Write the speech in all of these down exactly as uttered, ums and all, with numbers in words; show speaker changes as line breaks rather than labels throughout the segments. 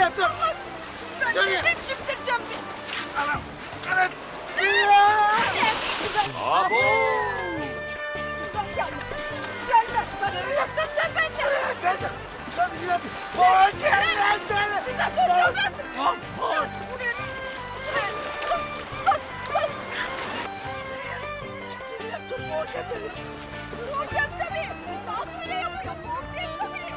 Dürüye dur.
Ben
Dürüye.
dedim kimsireceğim seni.
Anam. Evet.
Abo!
Gel. Gel gel. Nasılsın sen benden?
Ben de. Ben de gidelim. Boğaç yerlerden.
Size soruyorum ben size.
Boğaç. Boğaç.
Buraya. Şuraya. Sus. Sus. Sus. Dürüye dur boğacağım beni. Boğacağım tabii. Dans bile yapıyor. Boğacağım tabii.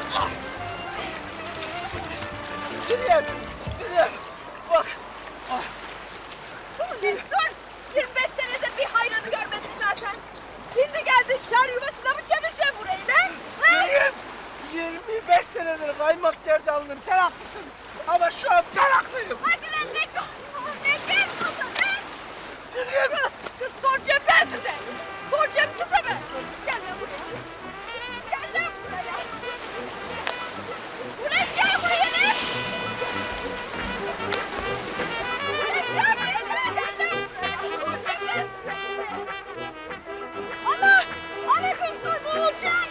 Dürüye. Dürüye. Bak.
Dur bir dur. yirmi beş senedir bir hayranı görmedim zaten. Şimdi geldin şer yuvasına mı çevireceksin burayı lan? Ha?
Dürüye. yirmi beş senedir kaymak gerdanlığım. Sen haklısın. Ama şu an ben haklıyım.
Hadi lan ne gel. Ne gel kızım lan.
Dürüye.
Kız, kız soracağım ben size. Soracağım size ben. Gel lan buraya. Gel lan buraya. Buraya gel buraya lan. Buraya gel buraya lan. Gel lan buraya. Soracağım ben size. Ana. Ana kız dur ne olacak?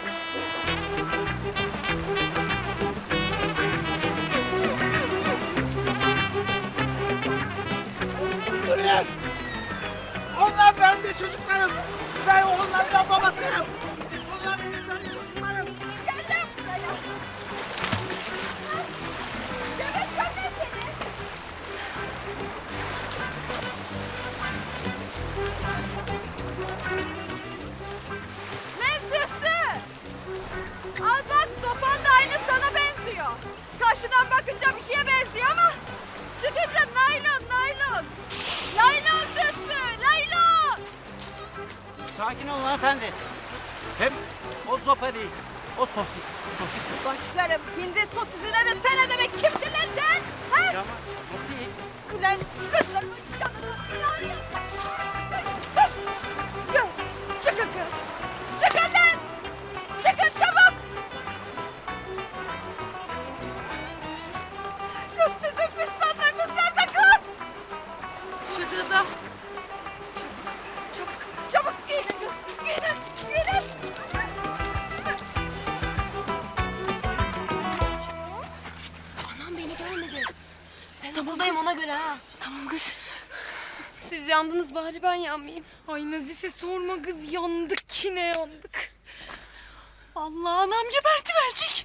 Dürüye. Onlar benim de çocuklarım. Ben onlardan babasıyım. Onlar benim çocuklarım.
Gel lan buraya. Demek ben de seni. Ne süslü? Al bak sopan da aynı sana benziyor. Karşıdan bakınca bir şeye benziyor ama çıkınca naylon naylon. Naylon süslü naylon.
Sakin olun hanımefendi. Hem o sopa değil, o sosis. Sosis.
Başlarım hindi sosisine de sen ne demek kimsin lan sen? Ha?
Ya nasıl iyi?
Ulan kızlarımın canını sıkıyor. Kız, çıkın kız. Çıkın lan. Çıkın çabuk. Kız sizin fistanlarınız nerede kız? Çıkıda. Çabuk, çabuk, çabuk giyinin kız. Giyinin, giyinin.
Anam beni görmedi. Ben tabuldayım ona göre ha. Tamam kız. Siz yandınız bari ben yanmayayım.
Ay Nazife sorma kız yandık yine yandık.
Allah anam geberti verecek.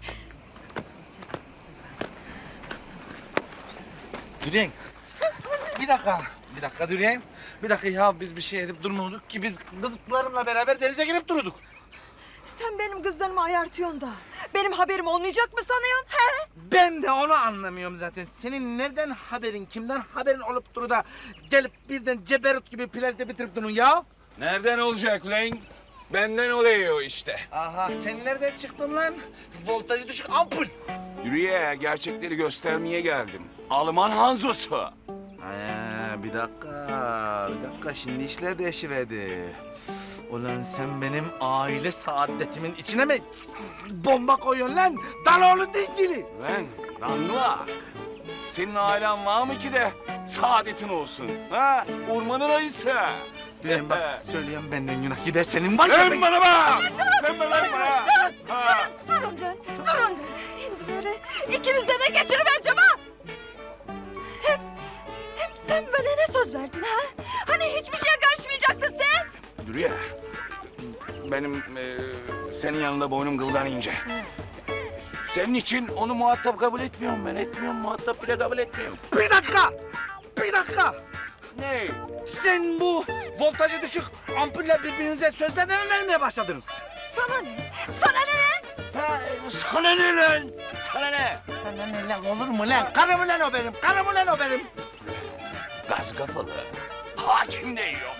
Dürüyen. Bir dakika. Bir dakika Dürüyen. Bir dakika ya biz bir şey edip durmuyorduk ki biz kızlarımla beraber denize girip duruyorduk.
Sen benim kızlarımı ayartıyorsun da benim haberim olmayacak mı sanıyorsun? He?
Ben de onu anlamıyorum zaten. Senin nereden haberin, kimden haberin olup duru da gelip birden ceberut gibi plajda bitirip durun ya?
Nereden olacak lan? Benden oluyor işte.
Aha sen nereden çıktın lan? Voltajı düşük ampul.
Yürüye gerçekleri göstermeye geldim. Alman Hanzosu.
Ee, bir dakika, bir dakika. Şimdi işler değişiverdi. Ulan sen benim aile saadetimin içine mi bomba koyuyorsun lan? Daloğlu dingili.
Lan danglak. Senin ailen var mı ki de saadetin olsun? Ha? Ormanın ayısı.
Dürüyen bak söyleyeyim benden günah gider senin var ya.
Dön
ben-
bana bak. Sen bana bana. Ha.
Durun can, durun. Şimdi böyle ikinize de geçirivereceğim ha. Hem, hem sen bana ne söz verdin ha? Hani hiçbir şeye karışmayacaktın sen?
Yürüye. Benim e, senin yanında boynum kıldan ince. Senin için onu muhatap kabul etmiyorum ben. Etmiyorum, muhatap bile kabul etmiyorum.
Bir dakika, bir dakika.
Ne?
Sen bu voltajı düşük ampulle birbirinize sözler de mi vermeye başladınız?
Sana ne? Sana ne lan?
Ha, sana ne lan?
Sana ne?
Sana ne lan olur mu lan? Karım lan o benim, karım lan o benim.
Gaz kafalı. Hakim değiyorum.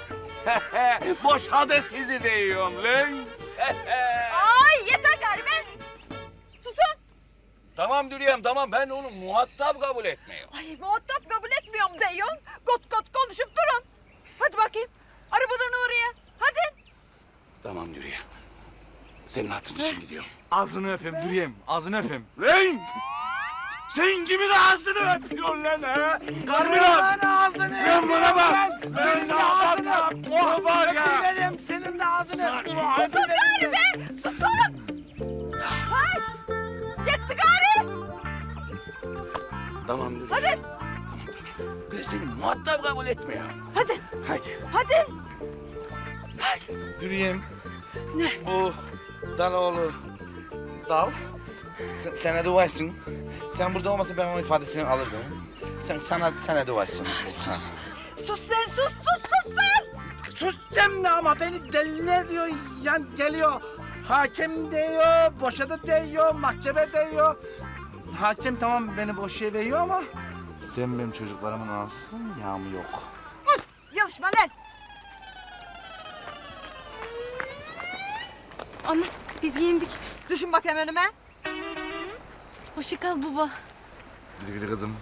Boşadı sizi değiyorum lan.
Ay yeter gari be. Susun.
Tamam Dürüyem tamam ben onu muhatap kabul etmiyorum.
Ay muhatap kabul etmiyorum diyorsun. Kot kot konuşup durun. Hadi bakayım. Arabadan oraya. Hadi.
Tamam Dürüyem. Senin hatırın için gidiyorum.
Ağzını öpeyim Dürüyem, ağzını öpeyim.
Lan! Sen kimin ağzını öpüyorsun lan ha?
Karımın ağzını
Sen bana bak!
Senin
Ben
de ağzını
ağzını
öp.
o var ya!
Öpüverim, senin de ağzını
Sen-
öp.
Susun gari be. Susun. Hay. Yetti gari.
Tamam Dürüye.
Hadi.
Ben seni muhatap kabul etmiyorum.
Hadi.
Hadi.
Hadi.
Yürüyeyim. Ne? Bu Daloğlu dal. Sen, sana duaysın. Sen burada olmasa ben onun ifadesini alırdım. Sen sana sana duaysın. Ha.
Sus sen sus sus sus sen.
Sus Cemre ama beni deliler diyor. Yani geliyor. Hakem diyor, boşadı diyor, mahkeme diyor. Hakem tamam beni boşaya veriyor ama sen benim çocuklarımın anasısın, yağmı yok.
Us. Yalışma lan.
Ana biz giyindik.
Düşün bakayım önüme.
Hoşça kal baba.
Güle güle kızım.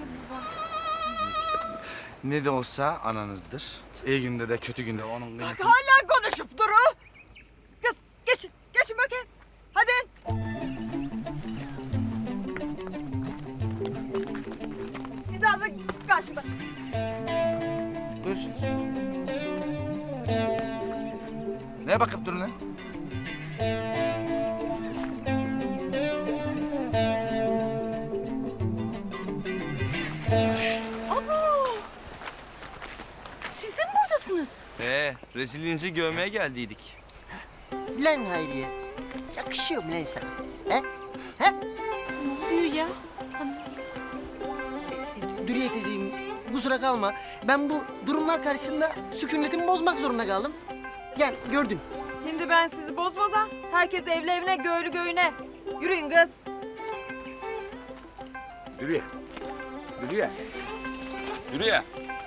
Ne de olsa ananızdır. İyi günde de kötü günde onun kıymeti...
Hala konuşup duru. Kız geç. Geçin bakayım. Hadi. Bir daha da karşıma.
Görüşürüz. Neye bakıp durun lan?
Siz de mi buradasınız?
He, rezilliğinizi görmeye geldiydik.
Lan Hayriye, yakışıyor mu lan sana? He? He?
Ne oluyor ya?
Dürüye teyzeciğim, kusura kalma. Ben bu durumlar karşısında sükunetimi bozmak zorunda kaldım. Gel, gördün.
Şimdi ben sizi bozmadan herkes evli evine göğlü göğüne. Yürüyün kız.
Dürüye. Dürüye. Dürüye.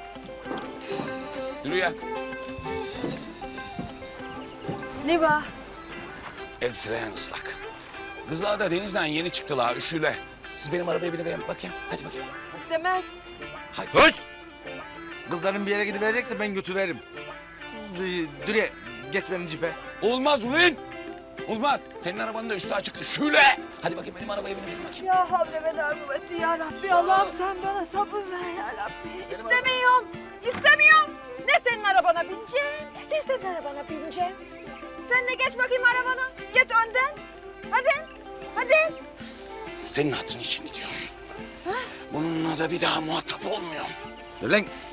Dürüye.
Ne var?
Elbiseleyen ıslak. Kızlar da denizden yeni çıktılar üşüyle. Siz benim arabaya binelim bakayım. Hadi bakayım.
İstemez.
Hadi.
Höş! Kızların bir yere gidiverecekse ben götürürüm. D- Dürüye, geç benim cipe.
Olmaz ulan. Olmaz. Senin arabanın da üstü açık üşüyle. Hadi bakayım benim arabaya binelim bakayım.
Ya havle ve la kuvveti ya Rabbi. Allah'ım sen bana sabır ver ya Rabbi. İstemiyorum. İstemiyorum. Ne senin arabana bineceğim, ne senin arabana bineceğim. Sen de geç bakayım arabana. Git önden. Hadi. Hadi.
Senin hatırın için gidiyorum. Bununla da bir daha muhatap olmuyorum.
Dur lan,